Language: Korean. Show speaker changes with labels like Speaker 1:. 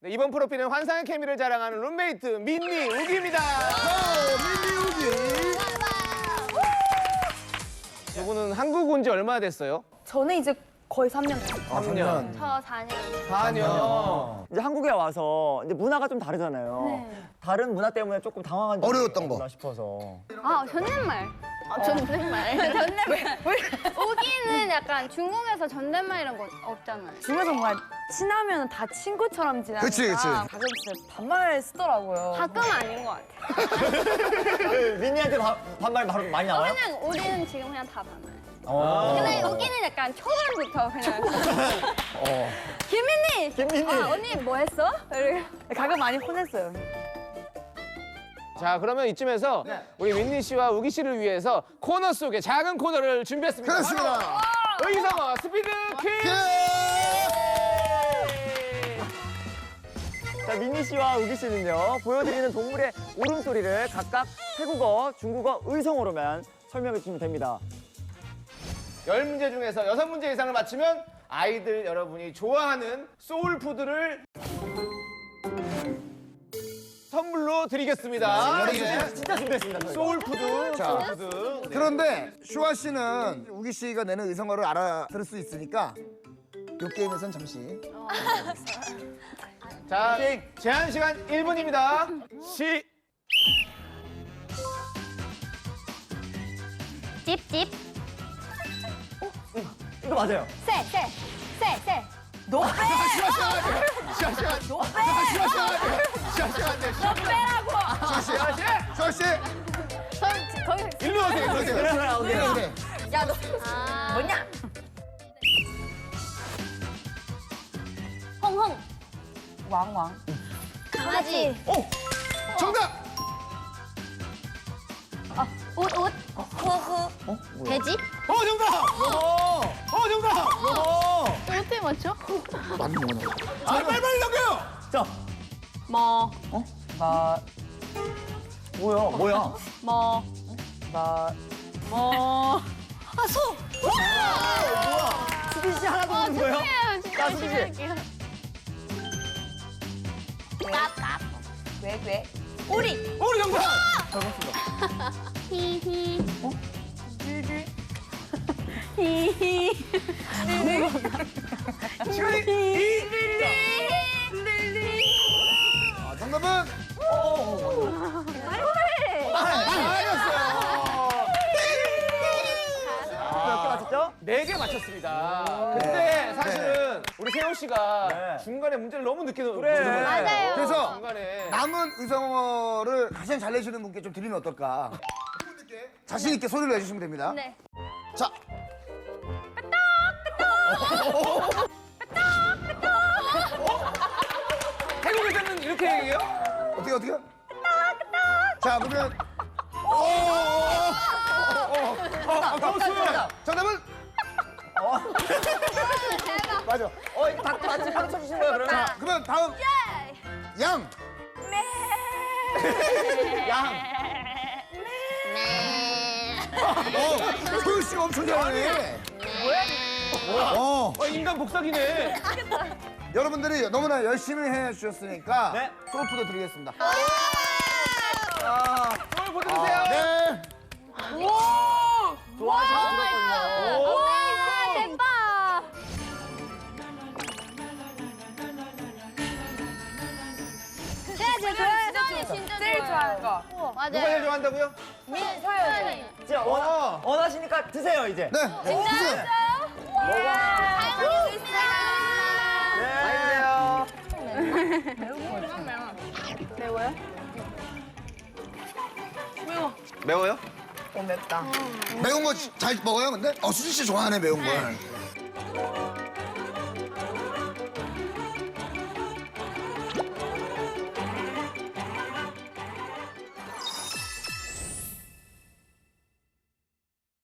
Speaker 1: 네, 이번 프로필은 환상의 케미를 자랑하는 룸메이트 민니 우기입니다.
Speaker 2: 민니 우기.
Speaker 1: 두 분은 한국 온 지 얼마나 됐어요?
Speaker 3: 저는 이제 거의 3년.
Speaker 1: 3년.
Speaker 4: 저 4년.
Speaker 1: 4년.
Speaker 5: 이제 한국에 와서 이제 문화가 좀 다르잖아요.
Speaker 4: 네.
Speaker 5: 다른 문화 때문에 조금 당황한 점이
Speaker 2: 어려웠던 거.
Speaker 5: 있나 싶어서.
Speaker 4: 아, 존댓말. 존댓말. 존댓말. 우기는 약간 중국에서 존댓말 이런 거 없잖아요.
Speaker 3: 중에서 뭔가 친하면 다 친구처럼 지내니까
Speaker 2: 그치, 그치.
Speaker 3: 가끔 진짜 반말 쓰더라고요.
Speaker 4: 가끔 아닌 것 같아요.
Speaker 5: 민니한테 반말 바로 많이 나와요?
Speaker 4: 그냥 우리는 지금 그냥 다 반말.
Speaker 5: 어.
Speaker 4: 근데 우기는 약간 초반부터 그냥. 김민니!
Speaker 5: 김민니!
Speaker 4: 아, 언니 뭐 했어? 이렇게.
Speaker 3: 가끔 많이 혼냈어요.
Speaker 1: 자, 그러면 이쯤에서 우리 민니 씨와 우기 씨를 위해서 코너 속에 작은 코너를 준비했습니다.
Speaker 2: 그렇습니다.
Speaker 1: 바로 의성어 스피드 퀴즈!
Speaker 5: 자, 민니 씨와 우기 씨는요, 보여드리는 동물의 울음소리를 각각 태국어, 중국어, 의성어로만 설명해 주시면 됩니다.
Speaker 1: 10문제 중에서 6문제 이상을 맞히면 아이들 여러분이 좋아하는 소울푸드를 선물로 드리겠습니다.
Speaker 5: 진짜 준비했습니다, 저희가.
Speaker 1: 소울푸드, 소울푸드. 네.
Speaker 2: 그런데 슈아 씨는 우기 씨가 내는 의성어를 알아들을 수 있으니까 이 게임에선 잠시.
Speaker 1: 자, 제한 시간 1분입니다.
Speaker 4: 찝찝.
Speaker 5: 이거 맞아요.
Speaker 4: 새.
Speaker 2: 슈아 씨.
Speaker 4: 거기.
Speaker 1: 일로 오세요, 일로 오세요.
Speaker 2: 그래.
Speaker 3: 야, 너
Speaker 4: 아.
Speaker 3: 뭐냐?
Speaker 4: 홍홍.
Speaker 3: 왕왕.
Speaker 4: 강아지.
Speaker 2: 정답.
Speaker 4: 옷. 허허. 돼지?
Speaker 1: 정답! 정답!
Speaker 4: 어떻게 맞죠?
Speaker 2: 맞는 거네.
Speaker 1: 빨리 넘겨요!
Speaker 5: 자,
Speaker 4: 뭐.
Speaker 5: 뭐야?
Speaker 4: 뭐. 뭐. 아, 소!
Speaker 5: 수빈 씨 하나도 모르는 거예요?
Speaker 4: 진짜
Speaker 5: 수빈 씨.
Speaker 4: 할게요.
Speaker 3: 왜?
Speaker 4: 오리.
Speaker 1: 정답!
Speaker 4: 히히. 히히.
Speaker 1: 시간이
Speaker 2: 정답은
Speaker 5: 몇 개 맞췄죠?
Speaker 1: 4개 맞췄습니다. 근데 사실은 우리 세호 씨가
Speaker 5: 네.
Speaker 1: 중간에 문제를 너무 늦게 넣은
Speaker 5: 그래.
Speaker 1: 거예요.
Speaker 4: 맞아요.
Speaker 2: 그래서
Speaker 1: 중간에.
Speaker 2: 남은 의성어를 가장 잘 내시는 분께 좀 드리면 어떨까? 자신 있게 소리를 내주시면 됩니다.
Speaker 4: 네.
Speaker 2: 자,
Speaker 1: 태국에서는 이렇게 얘기해요?
Speaker 2: 어떻게? 자, 그러면 정답은
Speaker 5: 맞아. 이거 다 같이 박수 주신 거예요, 그러면?
Speaker 2: 그러면 다음 양. 소유 씨가 엄청 잘하네. 뭐야?
Speaker 1: 인간 복사기네.
Speaker 2: 여러분들이 너무나 열심히 해주셨으니까
Speaker 5: 네.
Speaker 2: 소울푸드 드리겠습니다.
Speaker 1: 오늘 보여주세요.
Speaker 2: 네.
Speaker 5: 좋아하시는 분이거든요.
Speaker 4: 와, 대박. 제가 좋아해요. 진짜
Speaker 3: 제일 좋아하는 거.
Speaker 1: 누가 제일
Speaker 4: 맞아요.
Speaker 1: 좋아한다고요?
Speaker 4: 소연이.
Speaker 5: 진짜 원하시니까 드세요, 이제.
Speaker 2: 네. 진짜?
Speaker 4: 잘 먹겠습니다.
Speaker 1: 많이 드세요.
Speaker 4: 매워요?
Speaker 1: 매워요?
Speaker 3: 맵다.
Speaker 2: 매운 거 잘 먹어요, 근데? 수진 씨 좋아하네, 매운 걸.